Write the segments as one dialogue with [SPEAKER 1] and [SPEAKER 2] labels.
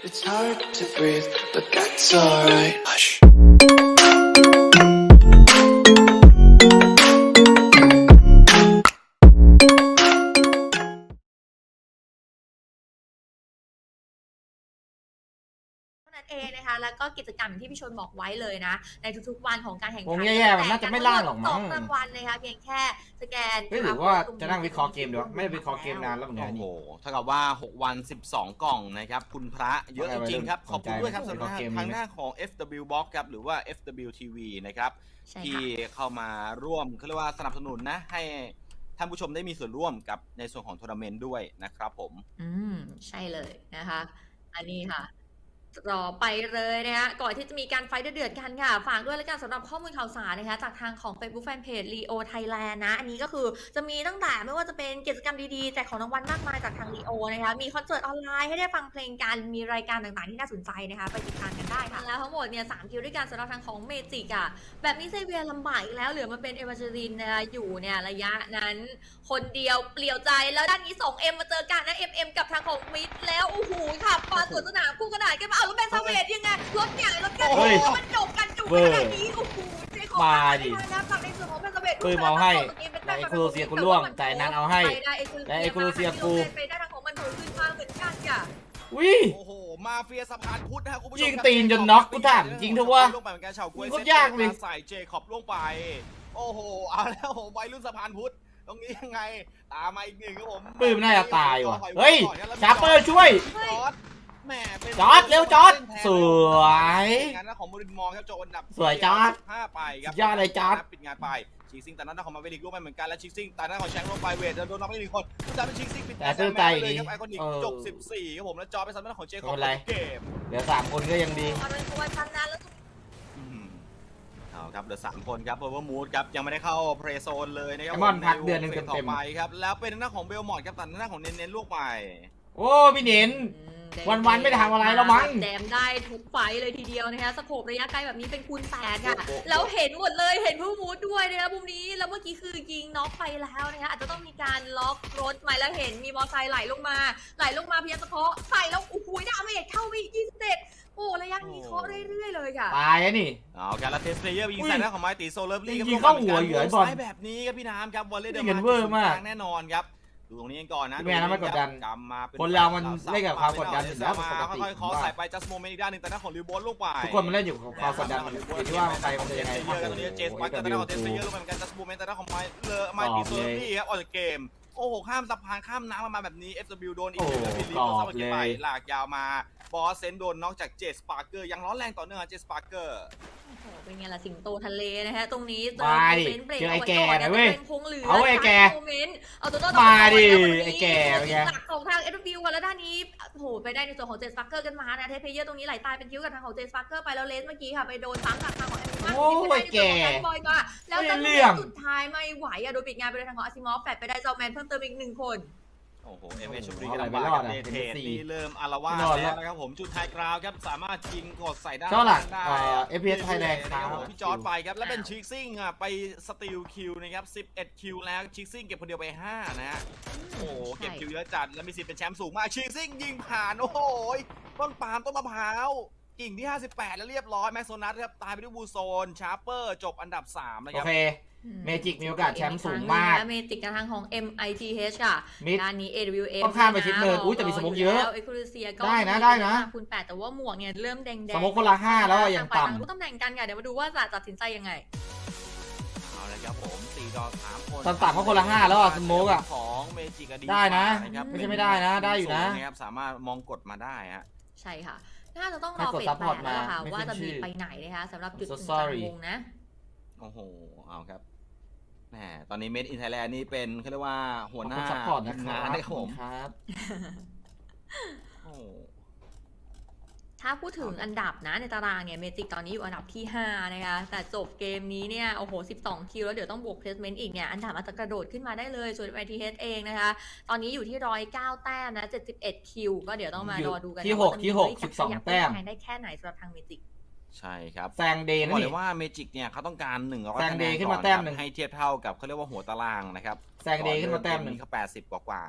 [SPEAKER 1] It's hard to breathe, but that's alright. Hush.
[SPEAKER 2] นั่นเองนะคะแล้วก็กิจกรรมที่พี่ชนบอกไว้เลยนะในทุกๆวันของการแข่งขั
[SPEAKER 3] วงแย่ๆมันน่าจะไม่ล่างหรอกมั้ง
[SPEAKER 2] 2 รางวัลนะคะเพียงแค่สแกน
[SPEAKER 3] หรือว่าจะนั่งวิเคราะห์เกมดีวะไม่ได้วิเคราะห์เกมนานแล้วเหมือนกัน
[SPEAKER 4] โอ้โห
[SPEAKER 3] นี่
[SPEAKER 4] เท่ากับว่า6วัน12 กล่องนะครับคุณพระเยอะจริงๆครับขอบคุณด้วยครับสำหรับทางหน้าของ FW Box ครับหรือว่า FW TV นะครับที่เข้ามาร่วมเขาเรียกว่าสนับสนุนนะให้ท่านผู้ชมได้มีส่วนร่วมกับในส่วนของทัวร์นาเมนต์ด้วยนะครับผม
[SPEAKER 2] ใช่เลยนะคะอันนี้ค่ะรอไปเลยนะคะก่อนที่จะมีการไฟท์เดือดๆกันค่ะฝากด้วยแล้วกันสำหรับข้อมูลข่าวสารนะคะจากทางของ Facebook Fanpage Leo Thailand นะอันนี้ก็คือจะมีตั้งแต่ไม่ว่าจะเป็นกิจกรรมดีๆแจกของรางวัลมากมายจากทาง Leo นะคะมีคอนเสิร์ตออนไลน์ให้ได้ฟังเพลงกันมีรายการต่างๆที่น่าสนใจนะคะไปติดตามกันได้ค่ะแล้วทั้งหมดเนี่ย3คิวด้วยกันสำหรับทางของเมจิกอะแบบนี้เซเวียลำบากอีกแล้วเหลือมาเป็นเอวาเจรินนะคะอยู่เนี่ยระยะนั้นคนเดียวเปลี่ยวใจแล้วด้านนี้ 2M มาเจอกันนะ MM กับทางของมิดแล้วโอ้โหขับมาสวนสนามคู่กระดาษกันมาเอาแล้วแบนซาเวดยังไงรถใหญ่รถกันมันจบกันจุกขนาดนี้โอ้โหเจ๊ขอมาดินะฝั่งในส่วนของแบนซาเวด
[SPEAKER 3] ปืนเอาให้และเอคูโลเซียกูล่วงแต่นั้นเอาให้และเอคูโลเซียกู
[SPEAKER 2] ไปได้ทางของมันถูกขึ้นมาเหมือนกันค่ะ
[SPEAKER 3] วิ
[SPEAKER 4] โอ้โหมาเฟียสะพานพุทธนะครับคุณผู้ชม
[SPEAKER 3] ยิงตีนจนน็อกกูถามจริงเถอะวะ
[SPEAKER 4] ลงไปเหมือนกันชาวกล้วย
[SPEAKER 3] ก็ยากเลย
[SPEAKER 4] ใส่เจคอบล่วงไปโอ้โหเอาแล้วผมวัยรุ่นสะพานพุทธตรงนี้ยังไงตามมาอีกหนึ่งครับผม
[SPEAKER 3] ปืนน่าจะตายว่ะเฮ้ยชาร์เปอร์ช่วย
[SPEAKER 4] แหมเป็น
[SPEAKER 3] จอร์จเร็วจอร์จสวย
[SPEAKER 4] งานของบรินมองครับโจอันดับ
[SPEAKER 3] สวยจอร์จ
[SPEAKER 4] 5ไปครับ
[SPEAKER 3] ยอดเลยจอร์จ
[SPEAKER 4] ปิดงานไปชิกซิงแต่นั้นของมาเวลิกลงไปเหมือนกันและชิกซิงแต่นั้นของแชงลงไปเวทโดนน็อกไป1 คนจะเป็นชิกซิงปิดแต่ตื้อใจเลยครับไอคอนิกจบ14ครับผมแล้วจอไปซันนั้นของเจคอบเกม
[SPEAKER 3] เหลือ3คนก็ยังดี
[SPEAKER 2] เอาเป็นตัวชันนั้นแล้ว
[SPEAKER 4] เอาครับเหลือ3 คนครับเพราะว่ามูดครับยังไม่ได้เข้าเพลย์โซนเลยนะครับ
[SPEAKER 3] มอนพักเดือนนึงเต็มๆ
[SPEAKER 4] ไปครับแล้วเป็นหน้าของเบลมอร์ดครับตัดหน้าของเน้นๆลูกไป
[SPEAKER 3] โอ้พี่เน้นวันๆไม่ได้ทำอะไรแล้วมั้ง
[SPEAKER 2] แจมได้ทุกไฟเลยทีเดียวนะคะสโคประยะไกลแบบนี้เป็นคูณ8ค่ะแล้วเห็นหมดเลยเห็นผู้มูดด้วยนะคะมุมนี้แล้วเมื่อกี้คือยิงน็อกไปแล้วนะคะอาจจะต้องมีการล็อกรถใหม่แล้วเห็นมีมอเตอร์ไซค์ไหลลงมาพยายามจะเคาะใส่แล้วโอ้โหดาเมจเข้าไปอีก27โอ้ระยะนี้เคาะเรื่อยๆเลยค่ะ
[SPEAKER 3] ตายนี่
[SPEAKER 4] เอาการละเทสเพลเยอร์ยิงใส่หน้าของไมตีโซเลอร์ลี่
[SPEAKER 3] ยิงเข้าหัวเหยื่อบอล
[SPEAKER 4] แบบนี้ครับพี่น้ำครับวอลเลย์เดอร์
[SPEAKER 3] มา
[SPEAKER 4] แน่นอนครับดูตรงนี้ก่อนนะ
[SPEAKER 3] แม่นั้นไม่กดดันคนเรามันเล่นกับความกดดันอยู่แล้วปกติ
[SPEAKER 4] ค่อยๆใส่ไปจัสโมเมนต์อีกด้านหนึ่งแต่หน้าของลิวบอลลงไป
[SPEAKER 3] ทุกคนมันเล่นอยู่กับความกดดันมันที่ว่าใครมันจะยังไง
[SPEAKER 4] เยอะกันตอนนี้เจสปักแต่หน้าของเทสเยอะลงไปเหมือนกันจัสโมเมนต์แต่หน้าของไมปีโซลี่ครับออกจากเกมโอ้โหข้ามสะพานข้ามน้ำมาแบบนี้ FW โดนอีกแล้วบิลลี่ก็ซ้ำอีกไปหลากยาวมาบอสเซนโดนน็อกจากเจสปาร์เกอร์ยังร้อนแรงต่อเนื่องเจสปาร์เกอร์
[SPEAKER 2] เป็นไงล่ะสิงโตทะเลนะฮะตรงนี้
[SPEAKER 3] มาดิเจอไอ้แก่นะเว้ยเอาไอ้แก่
[SPEAKER 2] เอาตัว
[SPEAKER 3] มาดิไอ้แก่
[SPEAKER 2] หลักของทาง FW แล้วด้านนี้โหไปได้ในส่วนของเจสปาร์เกอร์กันมานะเทปเพเยอร์ตรงนี้ไหลตายเป็นคิ้วกับทางของเจสปาร์เกอร์ไปแล้วเลสเมื่อกี้ค่ะไปโดนซ้ำจากทางของแอมมา
[SPEAKER 3] โอ้ยแก่
[SPEAKER 2] บอยมาแล้วจังหวะสุดท้ายไม่ไหวอะโดนปิดงานไปเลยทางของอาซิมอฟแฟดไปได้เจ้าแมนเพิ่มเติมอีก1 คน
[SPEAKER 4] โอ้โหเอเมชบุรีกำลังมากับเทสนี่เริ่มอารวาสแล้วนะครับผมจุดไฮกราวครับสามารถยิงกดใส่ได้
[SPEAKER 3] ก็หลักFPS ไทยแลนด์ครับ
[SPEAKER 4] พี่จอร์ดไปครับแล้วเป็นชิกซิ่งอ่ะไปสตีลคิวนะครับ11คิวแล้วชิกซิ่งเก็บคนเดียวไป5นะฮะโอ้โหเก็บคิวเยอะจัดแล้วมีสิทธิ์เป็นแชมป์สูงมากชิกซิ่งยิงผ่านโอ้โหต้นปาล์มต้นมะพร้าวกิ่งที่58แล้วเรียบร้อยแม็กโซนัสครับตายไปด้วยบูโซนชาร์เปอร์จบอันดับ3นะครับ
[SPEAKER 3] โอเคเมจิกมีโอกาสแชมป์สูงมาก
[SPEAKER 2] เมจิกกับทางของ MITH ค่ะด้านนี้ AWM
[SPEAKER 3] ต้องข้ามไปชิดเนินอุ้ยแต่มีสมองเยอะได้นะ
[SPEAKER 2] คูณ8แต่ว่าหมวกเนี่ยเริ่มแดง
[SPEAKER 3] สมองคนละ5แล้วยังต่ำ
[SPEAKER 2] รู้ตำแหน่งกันค่ะเดี๋ยวมาดูว่าจะตัดสินใจยังไง
[SPEAKER 4] เอาละครับผม4 ต่อ 3 คน
[SPEAKER 3] ต่ำๆก็คนละ5แล้วอ่ะสมองอ่ะ
[SPEAKER 4] ของเมจิก
[SPEAKER 3] ได้นะไม่ใช่ไม่ได้นะได้อยู่นะ
[SPEAKER 4] สามารถมองกดมาได้ฮะ
[SPEAKER 2] ใช่ค่ะน่าจะต้องรอเฟส8แล้วค่ะว่าจะมีไปไหนนะคะสำหรับจุดกลางวงนะ
[SPEAKER 4] โอ้โหเอาครับแหมตอนนี้เมดอินไทยแลนด์นี่เป็นเขาเรียกว่าหัวหน้า
[SPEAKER 3] ซัพพอร์ตนะครับ
[SPEAKER 4] ผม
[SPEAKER 3] ครับ
[SPEAKER 2] ถ้าพูดถึงอันดับนะในตารางเนี่ยเมจิกตอนนี้อยู่อันดับที่5นะคะแต่จบเกมนี้เนี่ยโอ้โห12คิวแล้วเดี๋ยวต้องบวกเพลสเมนต์อีกเนี่ยอันดับอาจจะกระโดดขึ้นมาได้เลยส่วน ITH เองนะคะตอนนี้อยู่ที่109แต้มนะ71คิวก็เดี๋ยวต้องมารอดูกัน
[SPEAKER 3] ที่6 12แต้ม
[SPEAKER 2] ได้แค่ไหนสำหรับทางเมจิก
[SPEAKER 4] ใช่ครับ
[SPEAKER 3] แซงเดย์
[SPEAKER 4] บอกเลยว่าเมจิกเนี่ยเขาต้องการ100คะแนน
[SPEAKER 3] ขึ้นมาแต้มนึง
[SPEAKER 4] ให้เทียบเท่ากับเขาเรียกว่าหัวตารางนะครับ
[SPEAKER 3] แซงเดย์ขึ้นมาแต้มนึง
[SPEAKER 4] เขา80กว่านะ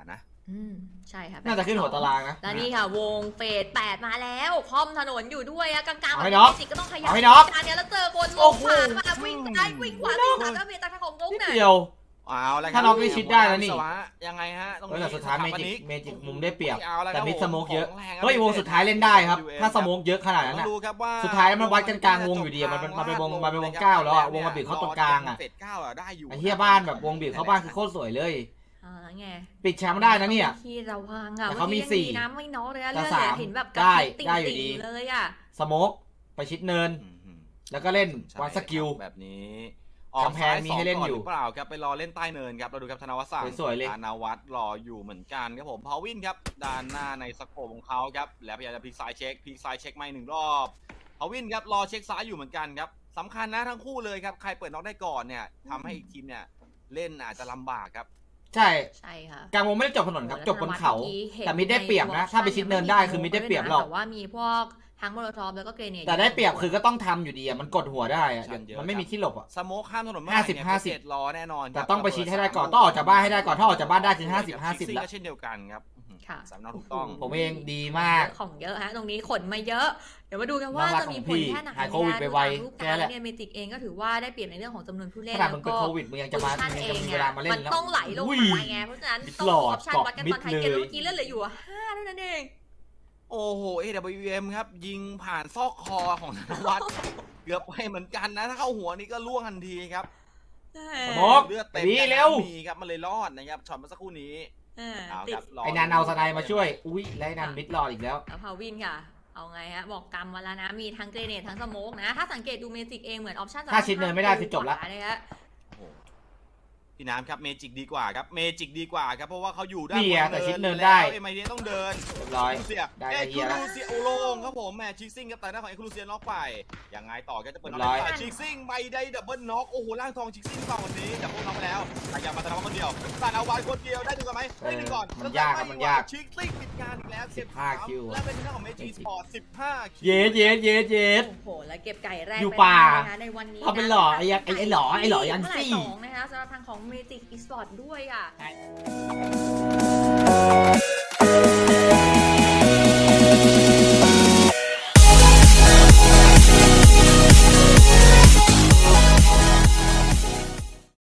[SPEAKER 2] ใช่ค่ะ
[SPEAKER 3] น่าจะขึ้นหัวตารางนะ
[SPEAKER 2] แล้วนี่ค่ะวงเฟส8มาแล้วคอมถนนอยู่ด้วยอะกลางๆ
[SPEAKER 3] เอา
[SPEAKER 2] แบบ
[SPEAKER 3] ให้น็อก
[SPEAKER 2] จิกก็ต้องขยับ
[SPEAKER 3] เอาให้น็อก
[SPEAKER 2] การเนี้ยแล้วเจอคน
[SPEAKER 3] โอ้
[SPEAKER 2] วง
[SPEAKER 3] โห
[SPEAKER 2] ผ่านมาวิ่งซ้ายวิ่งขวาวิ่งหลังแล้วเมย์จากทางของวง
[SPEAKER 3] นิด
[SPEAKER 2] เนี่ย
[SPEAKER 3] เดียว
[SPEAKER 4] เอาละ
[SPEAKER 3] ถ้าน็อกนี่ชิดได้แล้วนี่
[SPEAKER 4] วิศวะยังไงฮะตรง
[SPEAKER 3] เฮ้ย
[SPEAKER 4] นี้
[SPEAKER 3] แต่สุดท้ายเม
[SPEAKER 4] สถป
[SPEAKER 3] จิ
[SPEAKER 4] นิ
[SPEAKER 3] กเมจิกมุมได้เปรียบ
[SPEAKER 4] อาละ
[SPEAKER 3] แต่มิด
[SPEAKER 4] ค
[SPEAKER 3] ส
[SPEAKER 4] รับ
[SPEAKER 3] โมกเยอะ
[SPEAKER 4] ขงแรง
[SPEAKER 3] เฮ้ยวงสุดท้ายเล่นได้ครับ ถ้าสโมกเยอะขนาดนั้น
[SPEAKER 4] ต้อ
[SPEAKER 3] นะ
[SPEAKER 4] งดูครับว่า
[SPEAKER 3] สุดท้ายแล้วมันวัดกันกลางวงอยู่ดีอะมันเป็นวงเก้าแล้วอะวงมาบีบเข้าตรงกลางอะ
[SPEAKER 4] เฟสเก้าอะได้อยู่
[SPEAKER 3] ไอ้เหี้ยบ้านแบบวงบีบเข้าบ้านคือโคตรสวยเลย
[SPEAKER 2] ไง
[SPEAKER 3] ปิดแชมป์ได้นะเนี่ย
[SPEAKER 2] ที่ระวังอะ
[SPEAKER 3] แต่เขามี
[SPEAKER 2] มื่อกี้
[SPEAKER 3] สี่
[SPEAKER 2] ยังน้ำไม่น้อยเลยอะ
[SPEAKER 3] แต่
[SPEAKER 2] เลือด
[SPEAKER 3] สาม
[SPEAKER 2] เห็นแบบ
[SPEAKER 3] ได้
[SPEAKER 2] ติ่ง
[SPEAKER 3] ได้อยู่ดี
[SPEAKER 2] ๆเลยอะ
[SPEAKER 3] สโมกไปชิดเนิน แล้วก็เล่นวันสกิล
[SPEAKER 4] แบบนี้
[SPEAKER 3] กำแพงมีให้เล่นอยู่
[SPEAKER 4] กซ้าสงก่หรือเปล่าครับไปรอเล่นใต้เนินครับเราดูครับธนวัฒน์สั่ง
[SPEAKER 3] สวยๆเลย
[SPEAKER 4] ธนวัฒน์รออยู่เหมือนกันครับผมพาวินครับด้านหน้าในสโคปของเขาครับแล้วพยายามจะพลิกซ้ายเช็คไม่หนึ่งรอบพาวินครับรอเช็คซ้ายอยู่เหมือนกันครับสำคัญนะทั้งคู่เลยครับใครเปิดน็อกได้ก่อนเนี่ยทำให้อีกทีมเนี่ยเล่นอาจจะลำบากครับ
[SPEAKER 3] ใช่
[SPEAKER 2] ใช่ค่ะ
[SPEAKER 3] กลางวงไม่ได้จบถนนครับ จบบนเขา
[SPEAKER 2] เมื่อกี้เห็น
[SPEAKER 3] แต่มิดได้เปรียบนะ ถ้าไปชิดเนินได้คือมิดได้เปรียบหรอก
[SPEAKER 2] แต่ว่ามีพวกทั้งโมโลทอฟแล้วก็เกรเนด
[SPEAKER 3] แต่ได้เปรียบคือก็ต้องทำอยู่ดีอะมันกดหัวได้อะ
[SPEAKER 4] ชันเยอะ
[SPEAKER 3] มันไม่มีที่หลบอะ
[SPEAKER 4] สโมคข้ามถนนเมื่อไหร่เนี่ย
[SPEAKER 3] 50
[SPEAKER 4] เจ็ดรอแน่นอนครับ
[SPEAKER 3] แต่ต้องไปชิดให้ได้ก่อนต้องออกจากบ้านให้ได้ก่อนถ้าออกจากบ้านได้คือ50
[SPEAKER 4] ซิ่ง
[SPEAKER 3] แล้ว
[SPEAKER 4] ก็เช่นเดียวกันครับ
[SPEAKER 2] ค่ะ
[SPEAKER 4] สำนักถูกต้อง
[SPEAKER 3] ผมเองดีมาก
[SPEAKER 2] ของเยอะฮะตรงนี้ขนมาเยอะ เดี๋ยวมาดูกันว่า
[SPEAKER 3] น่ารัก
[SPEAKER 2] จะมีผ
[SPEAKER 3] ของพี่
[SPEAKER 2] ลแค่ไหน
[SPEAKER 3] หายโควิดไปไว
[SPEAKER 2] รูป
[SPEAKER 3] แค่
[SPEAKER 2] การ
[SPEAKER 3] นั้นแหละ
[SPEAKER 2] เนี่ยเมจิกเองก็ถือว่าได้เปรียบในเรื่องของจำนวนผู้เล่น
[SPEAKER 3] ขนาด
[SPEAKER 2] แล้
[SPEAKER 3] มัน
[SPEAKER 2] ว
[SPEAKER 3] เป็น
[SPEAKER 2] ก็
[SPEAKER 3] โควิดมึงยังจะมา
[SPEAKER 2] โพซิชั่น
[SPEAKER 3] มึง
[SPEAKER 2] เอ
[SPEAKER 3] ยัง
[SPEAKER 2] ง
[SPEAKER 3] จะมีเวลามาเล่
[SPEAKER 2] มัน น
[SPEAKER 3] แล้ว
[SPEAKER 2] ต้องไหลลง
[SPEAKER 3] อุ้ย
[SPEAKER 2] มาไงเพราะฉะนั้น
[SPEAKER 3] มิด
[SPEAKER 2] ต้อง
[SPEAKER 3] หล
[SPEAKER 2] อ
[SPEAKER 3] อ
[SPEAKER 2] อ
[SPEAKER 3] ด
[SPEAKER 2] ปชั่น
[SPEAKER 3] เกาะ
[SPEAKER 2] วัดกัน
[SPEAKER 3] มิด
[SPEAKER 2] ตอนท้าย
[SPEAKER 3] เล
[SPEAKER 2] เกม
[SPEAKER 3] ย
[SPEAKER 2] เมื่อกี้เลือดเหลืออยู่5เท่านั้นเอง
[SPEAKER 4] โอ้โห AWM ครับยิงผ่านซอกคอของธนวัฒน์เกือบไปเหมือนกันนะถ้าเข้าหัวนี่ก็ล่วงทันทีครับ
[SPEAKER 3] สโมก
[SPEAKER 4] เลือดเต็ม
[SPEAKER 3] ดีเร็ว
[SPEAKER 4] มีครับมันเลยรอดนะครับช็อตเมื่อสักครู่นี้เอา
[SPEAKER 2] ติ
[SPEAKER 4] ค
[SPEAKER 2] ด
[SPEAKER 4] รับร
[SPEAKER 3] ไอ้นันเอาสไนด์มาช่วย อุ้ยแล้วไอ้นันมิดรอดอีกแล้ว
[SPEAKER 2] แล้วพาวินค่ะ เอาไงฮะบอกกรรมมาแล้วนะ มีทั้งเกรเนตทั้งสโมกนะ ถ้าสังเกตดูเมจิกเองเหมือนออปชั่น
[SPEAKER 3] ถ้าชิดเนินไม่ได้คือจบละ
[SPEAKER 2] เลยฮะ
[SPEAKER 4] โอ้โหพี่น้ำครับเมจิกดีกว่าครับเมจิกดีกว่าครับเพราะว่าเขาอยู่ด้าน
[SPEAKER 3] นี่ไง
[SPEAKER 4] บ
[SPEAKER 3] แต่ชิดเนินได้
[SPEAKER 4] เอ็มไอเดียต้องเดิน
[SPEAKER 3] เรียบร้อย
[SPEAKER 4] เสีย
[SPEAKER 3] ได้
[SPEAKER 4] เอ็
[SPEAKER 3] ไอ
[SPEAKER 4] ก
[SPEAKER 3] เดีย
[SPEAKER 4] ซ์ค
[SPEAKER 3] แล้ว
[SPEAKER 4] ลูเซียโอโลงครับผมแหมชิกซิ่งกับแต่หน้าของเอ็กซ์คลูเซียน็อกไปยังไงต่อก็จะเปิดน็อก
[SPEAKER 3] เรียบร้อย
[SPEAKER 4] ได้ชิกซิ่งไม่ได้ดับเบิลน็อกโอ้โหร่างทองชิกซิ่งเปล่าวันนี้ดับเบิลน็อกไปแล้วแต่ยังมาแต่ละคนเดียวแต่เอาวันคนเดียวได้ดูกันไหมได้ดูก่อน
[SPEAKER 3] มันยากครับมันยาก
[SPEAKER 4] ชิกซิ่งปิดงานอีกแล้วเก็บ
[SPEAKER 3] 15 คิว
[SPEAKER 4] และเป็นหน้าของเมจิสปอร์ต15คิว
[SPEAKER 3] เย็ดเย็ดเย็ดเย็ด
[SPEAKER 2] โอ้โห แล้วเก็บไก่แรก
[SPEAKER 3] อยู่
[SPEAKER 2] ไป
[SPEAKER 3] ป่า
[SPEAKER 2] ได้นะคะในวันนี้
[SPEAKER 3] เอาเป็นหล่อไอ้ยักษ์ไอ้หล่อไอ้หล่อยันซี่
[SPEAKER 2] สองนะคะสำหรับทางของเมจิกอีสปอร์ตด้วยอ่ะ